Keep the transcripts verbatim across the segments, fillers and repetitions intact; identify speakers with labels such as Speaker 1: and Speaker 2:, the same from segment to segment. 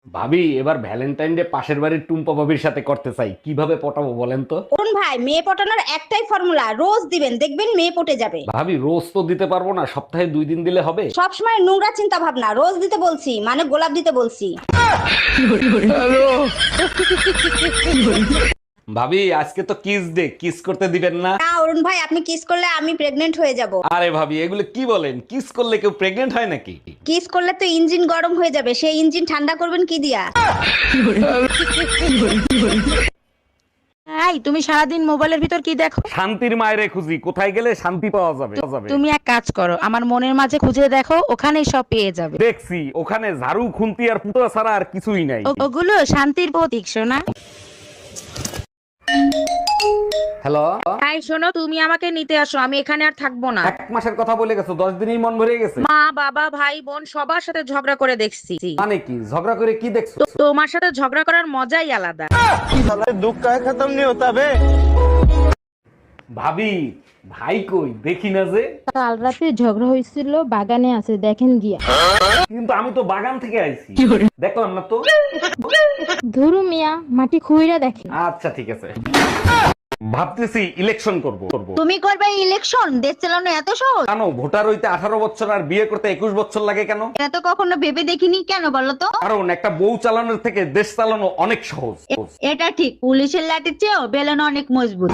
Speaker 1: ভাবি এবার Valentine day পাশের বাড়ির টুম্পা ভাবির সাথে করতে চাই, কিভাবে পটাবো বলেন তো?
Speaker 2: অরুণ ভাই, মেয়ে পটানোর একটাই ফর্মুলা, রোজ দিবেন, দেখবেন মেয়ে পটে যাবে।
Speaker 1: ভাবি রোজ তো দিতে পারবো না, সপ্তাহে দুই দিন দিলে হবে?
Speaker 2: সবসময় নোংরা চিন্তা ভাবনা, রোজ দিতে বলছি মানে গোলাপ দিতে বলছি।
Speaker 1: ভাবি আজকে তো কিস ডে, কিস করতে দিবেন না?
Speaker 2: না অরুণ ভাই, আপনি কিস করলে আমি প্রেগনেন্ট হয়ে যাব।
Speaker 1: আরে ভাবি এগুলো কি বলেন, কিস করলে কেউ প্রেগনেন্ট হয় নাকি?
Speaker 2: কিস করলে তো ইঞ্জিন গরম হয়ে যাবে, সেই ইঞ্জিন ঠান্ডা করবেন কি দিয়া?
Speaker 3: এই তুমি সারাদিন মোবাইলের ভিতর কি দেখো?
Speaker 1: শান্তির মায়েরে খুঁজি, কোথায় গেলে শান্তি পাওয়া যাবে যাবে।
Speaker 3: তুমি এক কাজ করো, আমার মনের মাঝে খুঁজে দেখো, ওখানেই সব পেয়ে যাবে।
Speaker 1: দেখছি ওখানে ঝাড়ু খুন্তি আর পুতো ছাড়া আর কিছুই নাই।
Speaker 3: ও- ওগুলো শান্তির প্রতীক, শোনা।
Speaker 1: হ্যালো,
Speaker 3: এই শোনো, তুমি আমাকে নিতে আসো, আমি এখানে আর থাকবো না।
Speaker 1: এক মাসের কথা বলে গেছো, দশ দিনই মন ভরে গেছে।
Speaker 3: মা বাবা ভাই বোন সবার সাথে ঝগড়া করে দেখছি।
Speaker 1: মানে কি ঝগড়া করে কি দেখছো?
Speaker 3: তো- তোমার সাথে ঝগড়া করার মজাই আলাদা।
Speaker 4: दुख का खत्म नहीं होता बे।
Speaker 1: ভাবি ভাই কই দেখি না যে।
Speaker 5: কাল রাতে ঝগড়া হয়েছিল, বাগানে আছে, দেখেন গিয়া।
Speaker 1: কিন্তু আমি তো বাগান থেকে আইছি, দেখলাম না তো।
Speaker 5: ধরু মিয়া, মাটি খুইরা দেখেন।
Speaker 1: আচ্ছা ঠিক আছে, ভাবতেছি ইলেকশন করব করব
Speaker 2: তুমি করবে ইলেকশন? দেশ চালানো এত সহজ?
Speaker 1: কেন? ভোটার হইতে আঠারো বছর আর বিয়ে করতে একুশ বছর লাগে কেন?
Speaker 2: এটা তো কখনো ভেবে দেখিনি, কেন বলো তো?
Speaker 1: কারণ একটা বউ চালানোর থেকে দেশ চালানো অনেক সহজ।
Speaker 2: এটা ঠিক, পুলিশের লাঠির চেয়েও বেলন অনেক মজবুত।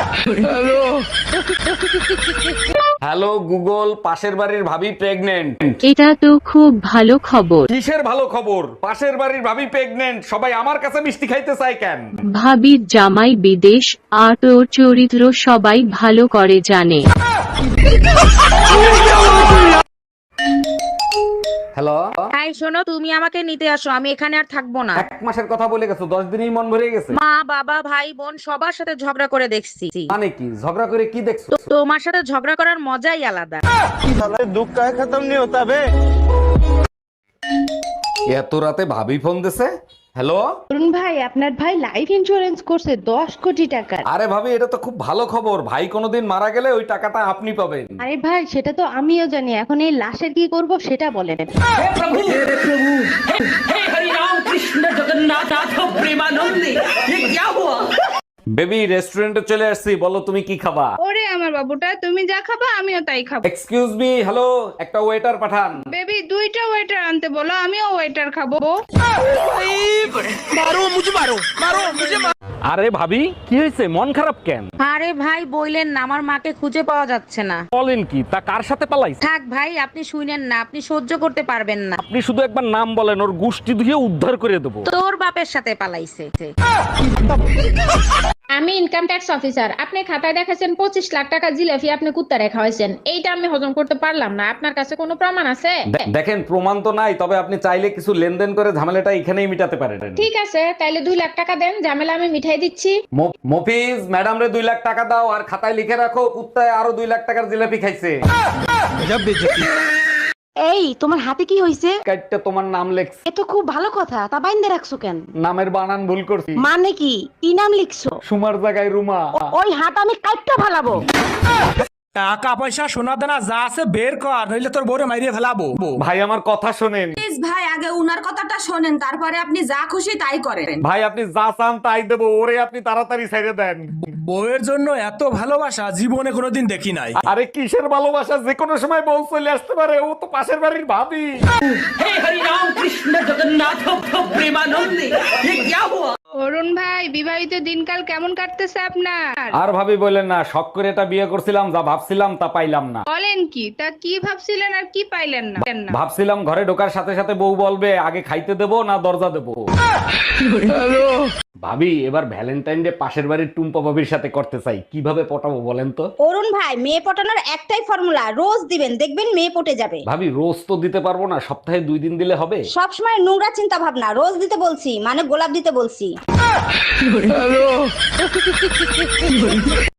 Speaker 1: হ্যালো গুগল, পাশের বাড়ির ভাবি প্রেগনেন্ট।
Speaker 6: এটা তো খুব ভালো খবর।
Speaker 1: কিসের ভালো খবর? পাশের বাড়ির ভাবি প্রেগনেন্ট, সবাই আমার কাছে মিষ্টি খাইতে চায় কেন?
Speaker 6: ভাবির জামাই বিদেশ, আর তোর চরিত্র সবাই ভালো করে জানে।
Speaker 1: হ্যালো,
Speaker 3: এই শোনো, তুমি আমাকে নিতে আসো, আমি এখানে আর থাকবো না।
Speaker 1: এক মাসের কথা বলে গেছো, দশ দিনই মন ভরে গেছে।
Speaker 3: মা বাবা ভাই বোন সবার সাথে ঝগড়া করে দেখছি।
Speaker 1: মানে কি ঝগড়া করে কি দেখছো?
Speaker 3: তো- তোমার সাথে ঝগড়া করার মজাই আলাদা।
Speaker 4: दुख का खत्म नहीं होता बे।
Speaker 1: এত রাতে ভাবি ফোন দিছে। হ্যালো,
Speaker 5: অরুণ ভাই, আপনার ভাই লাইফ ইন্স্যুরেন্স করছে দশ কোটি টাকা।
Speaker 1: আরে ভাবি এটা তো খুব ভালো খবর, ভাই কোনোদিন মারা গেলে ওই টাকাটা আপনি পাবেন।
Speaker 5: আরে ভাই, সেটা তো আমিও জানি, এখন এই লাশের কি করব সেটা বলেন।
Speaker 1: বেবি রেস্টুরেন্টে চলে আসছি, বলো তুমি কি খাবা?
Speaker 7: ওরে আমার বাবুটা, তুমি যা খাবা আমিও তাই খাবো।
Speaker 1: এক্সকিউজ মি, হ্যালো, একটা ওয়েটার পাঠান।
Speaker 7: বেবি, দুইটা ওয়েটার আনতে বলো, আমিও ওয়েটার খাবো।
Speaker 1: আরে ভাবি কি হয়েছে, মন খারাপ কেন?
Speaker 3: আরে ভাই বইলেন না, আমার মাকে খুঁজে পাওয়া যাচ্ছে না।
Speaker 1: বলেন কি, তা কার সাথে পালাইছে?
Speaker 3: থাক ভাই, আপনি শুনেন না, আপনি সহ্য করতে পারবেন না।
Speaker 1: আপনি শুধু একবার নাম বলেন, ওর গুষ্টি ধুয়ে উদ্ধার করে দেবো।
Speaker 3: তোর বাপের সাথে পালাইছে।
Speaker 8: আমি ইনকাম ট্যাক্স অফিসার। আপনি খাতায় দেখাছেন পঁচিশ লাখ টাকা জিলাপি আপনি কুত্তা রেখা হয়েছেন, এইটা আমি হজম করতে পারলাম না। আপনার কাছে কোনো প্রমাণ আছে?
Speaker 1: দে- দেখেন প্রমাণ তো নাই, তবে আপনি চাইলে কিছু লেনদেন করে ঝামেলাটা এখানেই মিটাতে পারেন।
Speaker 8: ঠিক আছে, তাইলে দুই লাখ টাকা দেন, ঝামেলা আমি মিঠাই দিচ্ছি।
Speaker 1: ম- মফিজ ম্যাডাম রে দুই লাখ টাকা দাও, আর খাতায় লিখে রাখো কুত্তায় আরো দুই লাখ টাকার জিলাপি খাইছে।
Speaker 2: এই, তোমার হাতে কি হয়েছে?
Speaker 1: কাইটটা তোমার নাম লেখছে।
Speaker 2: এ তো খুব ভালো কথা, তা বাইন্দে রাখছো কেন?
Speaker 1: নামের বানান ভুল করছি,
Speaker 2: মানে কি? কি নাম লিখছো?
Speaker 1: সুমার জায়গায় রুমা।
Speaker 2: ওই হাত আমি কাটটা ফালাবো।
Speaker 9: টাকা পয়সা সোনা দানা যা আছে বের কর, নইলে তোর বউরে মাইরিয়ে ফেলাবো।
Speaker 1: ভাই আমার কথা শোনেন।
Speaker 10: ভাই আগে উনার কথাটা শোনেন, তারপরে আপনি যা খুশি তাই করেন।
Speaker 1: ভাই আপনি যা চান তাই দেবো, ওরে আপনি তাড়াতাড়ি ছেড়ে দেন।
Speaker 9: বউয়ের জন্য এত ভালোবাসা জীবনে কোনোদিন দেখি নাই।
Speaker 1: আরে কিসের ভালোবাসা, যে কোনো সময় বউ চলে আসতে পারে, ও তো পাশের বাড়ির ভাবি।
Speaker 7: অরুণ ভাই, বিবাহিত দিনকাল কেমন কাটতেছে আপনার?
Speaker 1: আর ভাবি বললেন না, শখ করে এটা বিয়ে করছিলাম, যা ভাবছিলাম তা পাইলাম না।
Speaker 7: বলেন কি? তা কি ভাবছিলেন আর কি পাইলেন না?
Speaker 1: ভাবছিলাম ঘরে ঢোকার সাথে সাথে বউ বলবে আগে খাইতে দেবো না দরজা দেবো। ভাবি এবার ভ্যালেন্টাইন ডে পাশের বাড়ির টুম্পা ভাবির সাথে করতে চাই, কিভাবে পটাবো বলেন তো?
Speaker 2: অরুণ ভাই, মেয়ে পটানোর একটাই ফর্মুলা, রোজ দিবেন, দেখবেন মেয়ে পটে যাবে।
Speaker 1: ভাবি রোজ তো দিতে পারবো না, সপ্তাহে দুই দিন দিলে হবে?
Speaker 2: সবসময় নোংরা চিন্তা ভাবনা, রোজ দিতে বলছি মানে গোলাপ দিতে বলছি।